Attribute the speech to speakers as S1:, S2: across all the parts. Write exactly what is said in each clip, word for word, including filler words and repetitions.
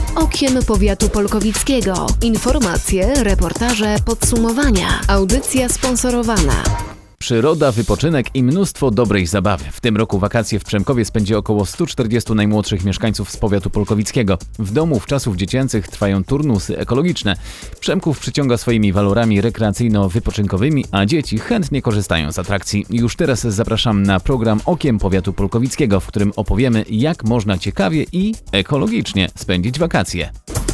S1: Okiem Powiatu Polkowickiego. Informacje, reportaże, podsumowania. Audycja sponsorowana.
S2: Przyroda, wypoczynek i mnóstwo dobrej zabawy. W tym roku wakacje w Przemkowie spędzi około stu czterdziestu najmłodszych mieszkańców z powiatu polkowickiego. W domu w czasów dziecięcych trwają turnusy ekologiczne. Przemków przyciąga swoimi walorami rekreacyjno-wypoczynkowymi, a dzieci chętnie korzystają z atrakcji. Już teraz zapraszam na program Okiem Powiatu Polkowickiego, w którym opowiemy, jak można ciekawie i ekologicznie spędzić wakacje.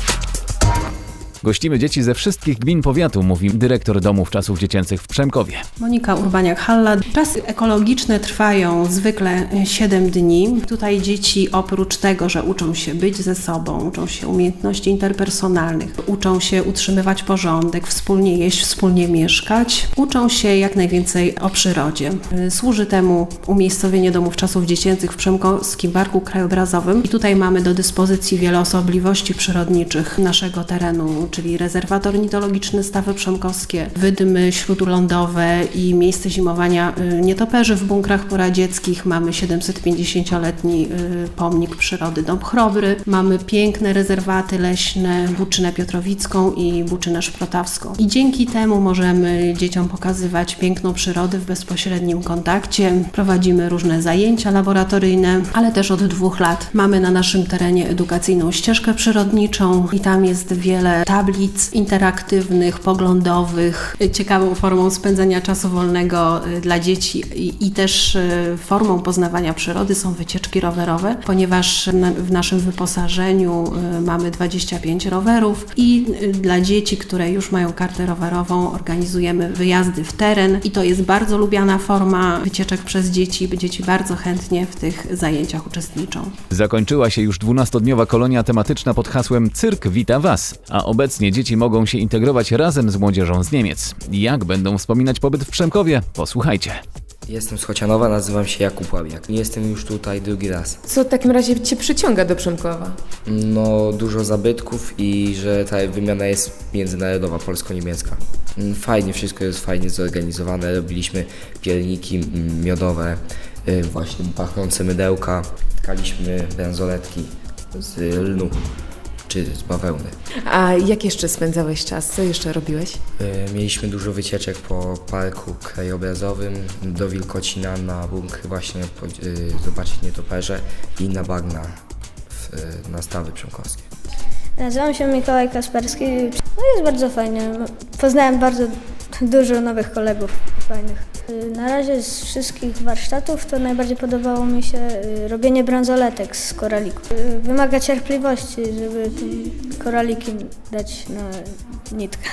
S2: Gościmy dzieci ze wszystkich gmin powiatu, mówi dyrektor domów czasów dziecięcych w Przemkowie.
S3: Monika Urbaniak-Halla. Czasy ekologiczne trwają zwykle siedem dni. Tutaj dzieci oprócz tego, że uczą się być ze sobą, uczą się umiejętności interpersonalnych, uczą się utrzymywać porządek, wspólnie jeść, wspólnie mieszkać, uczą się jak najwięcej o przyrodzie. Służy temu umiejscowienie domów czasów dziecięcych w Przemkowskim Parku Krajobrazowym i tutaj mamy do dyspozycji wiele osobliwości przyrodniczych naszego terenu, czyli rezerwat ornitologiczny Stawy Przemkowskie, wydmy śródlądowe i miejsce zimowania nietoperzy w bunkrach poradzieckich. Mamy siedemsetpięćdziesięcioletni pomnik przyrody Dąb Chrobry. Mamy piękne rezerwaty leśne, Buczynę Piotrowicką i Buczynę Szprotawską. I dzięki temu możemy dzieciom pokazywać piękną przyrodę w bezpośrednim kontakcie. Prowadzimy różne zajęcia laboratoryjne, ale też od dwóch lat mamy na naszym terenie edukacyjną ścieżkę przyrodniczą i tam jest wiele tablic interaktywnych, poglądowych. Ciekawą formą spędzania czasu wolnego dla dzieci i, i też formą poznawania przyrody są wycieczki rowerowe, ponieważ na, w naszym wyposażeniu mamy dwadzieścia pięć rowerów i dla dzieci, które już mają kartę rowerową, organizujemy wyjazdy w teren i to jest bardzo lubiana forma wycieczek przez dzieci. Dzieci bardzo chętnie w tych zajęciach uczestniczą.
S2: Zakończyła się już dwunastodniowa kolonia tematyczna pod hasłem Cyrk wita Was, a obecnie dzieci mogą się integrować razem z młodzieżą z Niemiec. Jak będą wspominać pobyt w Przemkowie? Posłuchajcie.
S4: Jestem z Chocianowa, nazywam się Jakub Łabiak. Nie jestem już tutaj drugi raz.
S5: Co w takim razie Cię przyciąga do Przemkowa?
S4: No, dużo zabytków i że ta wymiana jest międzynarodowa, polsko-niemiecka. Fajnie, wszystko jest fajnie zorganizowane. Robiliśmy pierniki miodowe, właśnie pachnące mydełka. Tkaliśmy bransoletki z lnu czy z bawełny.
S5: A jak jeszcze spędzałeś czas? Co jeszcze robiłeś?
S4: Mieliśmy dużo wycieczek po parku krajobrazowym, do Wilkocina na bunkry właśnie zobaczyć nietoperze i na bagna w, na Stawy Przemkowskie.
S6: Nazywam się Mikołaj Kasperski. No jest bardzo fajnie. Poznałem bardzo dużo nowych kolegów fajnych. Na razie z wszystkich warsztatów to najbardziej podobało mi się robienie bransoletek z koralików. Wymaga cierpliwości, żeby koraliki dać na nitkę.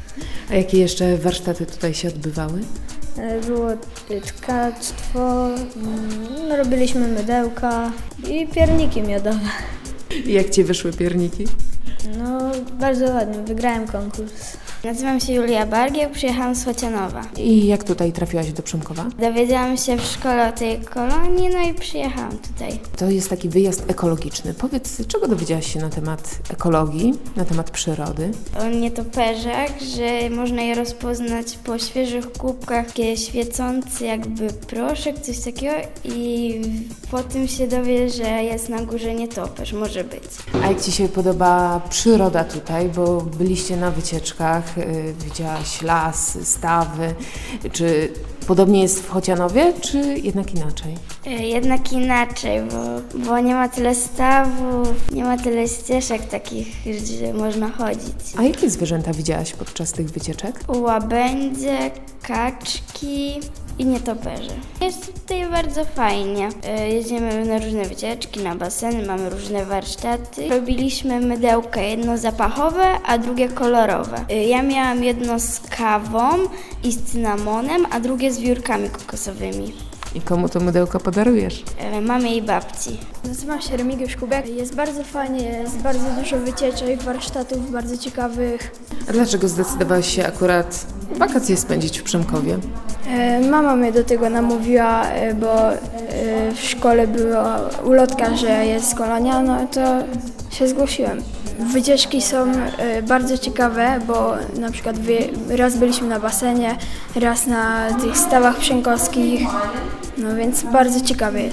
S5: A jakie jeszcze warsztaty tutaj się odbywały?
S6: Było tkactwo, no, robiliśmy mydełka i pierniki miodowe.
S5: I jak Ci wyszły pierniki?
S6: No bardzo ładnie, wygrałem konkurs.
S7: Nazywam się Julia Bargiel, przyjechałam z Chocianowa.
S5: I jak tutaj trafiłaś do Przemkowa?
S7: Dowiedziałam się w szkole o tej kolonii, no i przyjechałam tutaj.
S5: To jest taki wyjazd ekologiczny. Powiedz, czego dowiedziałaś się na temat ekologii, na temat przyrody?
S7: O nietoperzach, że można je rozpoznać po świeżych kubkach, takie świecący jakby proszek, coś takiego i po tym się dowie, że jest na górze nietoperz, może być.
S5: A jak Ci się podoba przyroda tutaj, bo byliście na wycieczkach, widziałaś las, stawy. Czy podobnie jest w Chocianowie, czy jednak inaczej?
S7: Jednak inaczej, bo, bo nie ma tyle stawów, nie ma tyle ścieżek takich, że można chodzić.
S5: A jakie zwierzęta widziałaś podczas tych wycieczek?
S7: Łabędzie, kaczki i nietoperze. Jest tutaj bardzo fajnie. Jeździmy na różne wycieczki, na baseny, mamy różne warsztaty. Robiliśmy mydełka, jedno zapachowe, a drugie kolorowe. Ja miałam jedno z kawą i z cynamonem, a drugie z wiórkami kokosowymi.
S5: I komu to mydełko podarujesz?
S7: Mamie i babci.
S6: Nazywam się Remigiusz Kubiak. Jest bardzo fajnie, jest bardzo dużo wycieczek, warsztatów bardzo ciekawych.
S5: A dlaczego zdecydowałeś się akurat wakacje spędzić w Przemkowie?
S6: Mama mnie do tego namówiła, bo w szkole była ulotka, że jest kolonia, no to się zgłosiłem. Wycieczki są bardzo ciekawe, bo na przykład raz byliśmy na basenie, raz na tych stawach przemkowskich, no więc bardzo ciekawe jest.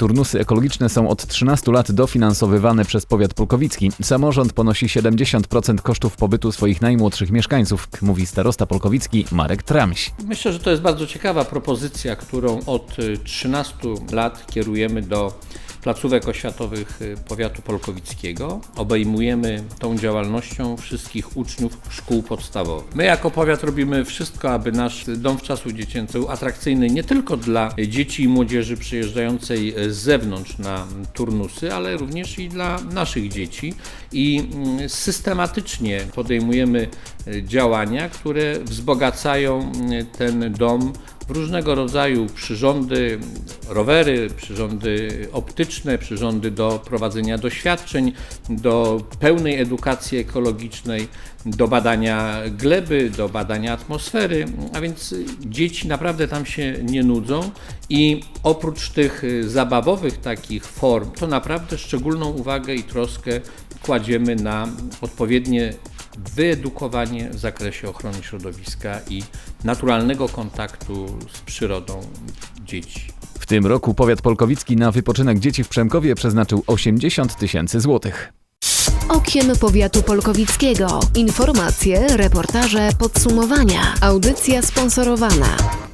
S2: Turnusy ekologiczne są od trzynastu lat dofinansowywane przez powiat polkowicki. Samorząd ponosi siedemdziesiąt procent kosztów pobytu swoich najmłodszych mieszkańców, mówi starosta polkowicki Marek Tramś.
S8: Myślę, że to jest bardzo ciekawa propozycja, którą od trzynastu lat kierujemy do placówek oświatowych powiatu polkowickiego. Obejmujemy tą działalnością wszystkich uczniów szkół podstawowych. My jako powiat robimy wszystko, aby nasz dom wczasów dziecięcych był atrakcyjny nie tylko dla dzieci i młodzieży przyjeżdżającej z zewnątrz na turnusy, ale również i dla naszych dzieci. I systematycznie podejmujemy działania, które wzbogacają ten dom w różnego rodzaju przyrządy, rowery, przyrządy optyczne, przyrządy do prowadzenia doświadczeń, do pełnej edukacji ekologicznej, do badania gleby, do badania atmosfery, a więc dzieci naprawdę tam się nie nudzą i oprócz tych zabawowych takich form, to naprawdę szczególną uwagę i troskę kładziemy na odpowiednie wyedukowanie w zakresie ochrony środowiska i naturalnego kontaktu z przyrodą dzieci.
S2: W tym roku powiat polkowicki na wypoczynek dzieci w Przemkowie przeznaczył osiemdziesiąt tysięcy złotych.
S1: Okiem powiatu polkowickiego. Informacje, reportaże, podsumowania. Audycja sponsorowana.